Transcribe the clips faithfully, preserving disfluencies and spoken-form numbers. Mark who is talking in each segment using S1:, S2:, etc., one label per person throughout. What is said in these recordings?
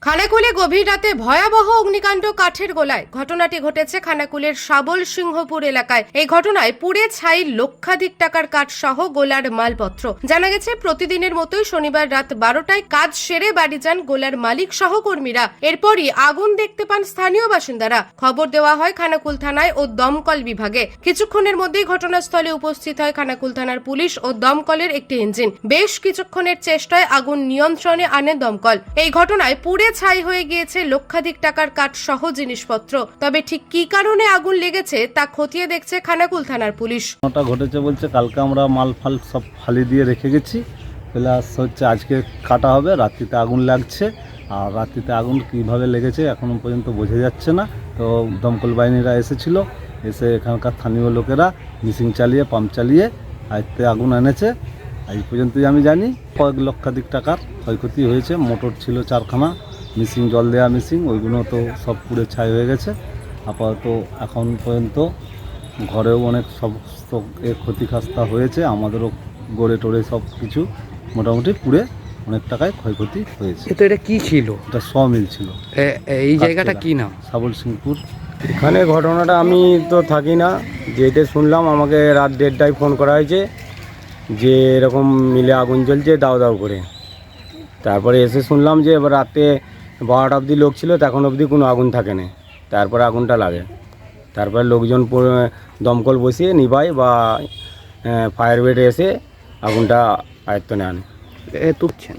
S1: খানাকুলে গভীর রাতে ভয়াবহ অগ্নিকাণ্ড কাঠের গোলায়। ঘটনাটি ঘটেছে খানাকুলের শাবল সিংহপুর এলাকায়। এই ঘটনায় পুড়ে ছাই লক্ষাধিক টাকার কাঠ সহ গোলার মালপত্র। জানা গেছে, প্রতিদিনের মতোই শনিবার রাত বারোটায় কাজ সেরে বাড়ি যান গোলার মালিক সহ কর্মীরা। এরপরই আগুন দেখতে পান স্থানীয় বাসিন্দারা। খবর দেওয়া হয় খানাকুল থানায় ও দমকল বিভাগে। কিছুক্ষণের মধ্যেই ঘটনাস্থলে উপস্থিত হয় খানাকুল থানার পুলিশ ও দমকলের একটি ইঞ্জিন। বেশ কিছুক্ষণের চেষ্টায় আগুন নিয়ন্ত্রণে আনে দমকল। এই ঘটনায় পুড়ে ছাই হয়ে গিয়েছে লক্ষাধিক টাকার কাঠ সহ জিনিসপত্র। তবে ঠিক কি কারণে আগুন লেগেছে তা খতিয়ে দেখছে খানাকুল থানার পুলিশ।
S2: ওটা ঘটেছে বলছে, কালকে আমরা মাল ফাল সব ফালি দিয়ে রেখে গেছি, প্লাস হচ্ছে আজকে কাটা হবে, রাত্রিতে আগুন লাগছে। আর রাত্রিতে আগুন কীভাবে লেগেছে এখনও পর্যন্ত বোঝা যাচ্ছে না। তো দমকল বাহিনীরা এসেছিল, এসে এখানকার স্থানীয় লোকেরা মিশিং চালিয়ে পাম্প চালিয়ে আয়ত্তে আগুন এনেছে। আজ পর্যন্তই আমি জানি কয়েক লক্ষাধিক টাকার ক্ষয়ক্ষতি হয়েছে। মোটর ছিল চারখানা, মিশিং জল দেওয়া মিশিং, ওইগুলো তো সব পুড়ে ছাই হয়ে গেছে। আপাতত এখন পর্যন্ত ঘরেও অনেক সমস্ত এর ক্ষতিগ্রস্ত হয়েছে, আমাদেরও গড়ে টোড়ে সব কিছু মোটামুটি পুড়ে অনেক টাকায় ক্ষয়ক্ষতি হয়েছে।
S3: তো এটা কি ছিল?
S2: এটা শ মিল ছিল।
S3: এই জায়গাটা কি নাম?
S2: শাবল সিংহপুর।
S4: এখানে ঘটনাটা আমি তো থাকি না, যেটা শুনলাম আমাকে রাত দেড়টায় ফোন করা হয়েছে যে এরকম মিলে আগুন জ্বলছে দাও দাও করে। তারপরে এসে শুনলাম যে এবার রাতে বারোটা অবধি লোক ছিল, তখন অবধি কোনো আগুন থাকে না। তারপরে আগুনটা লাগে, তারপরে লোকজন দমকল বসিয়ে নিভায় বা ফায়ার ব্রিগেড এসে আগুনটা আয়ত্তনে আনে।
S3: তুলছেন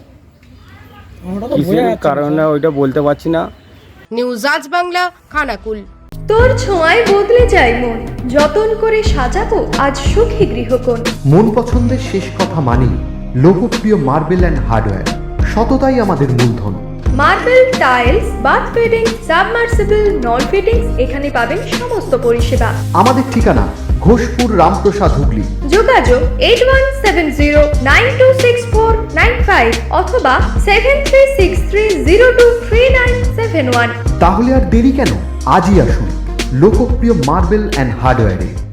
S4: কিসের কারণে ওইটা বলতে পারছি না।
S1: নিউজ আজ বাংলা, খানাকুল।
S5: তোর ছোঁয়ায় বদলে যায় মন, যতন করে সাজাবো আজ সুখী গৃহকোণ।
S6: মন পছন্দের শেষ কথা মানি লোকপ্রিয় মার্বেল অ্যান্ড হার্ডওয়্যার, সততাই আমাদের মূলধন।
S5: Marble, tiles, bath fitting, submersible, নল ফিটিংস, এখানে পাবেন সমস্ত পরিষেবা।
S6: আমাদের ঠিকানা ঘোষপুর, রামপ্রসাদ, হুগলি।
S5: যোগাযোগ eight one seven zero nine two six four nine five অথবা seven three six three zero two three nine seven one.
S6: তাহলে আর দেরি কেন, আজই আসুন লোকপ্রিয় মার্বেল অ্যান্ড হার্ডওয়্যারে।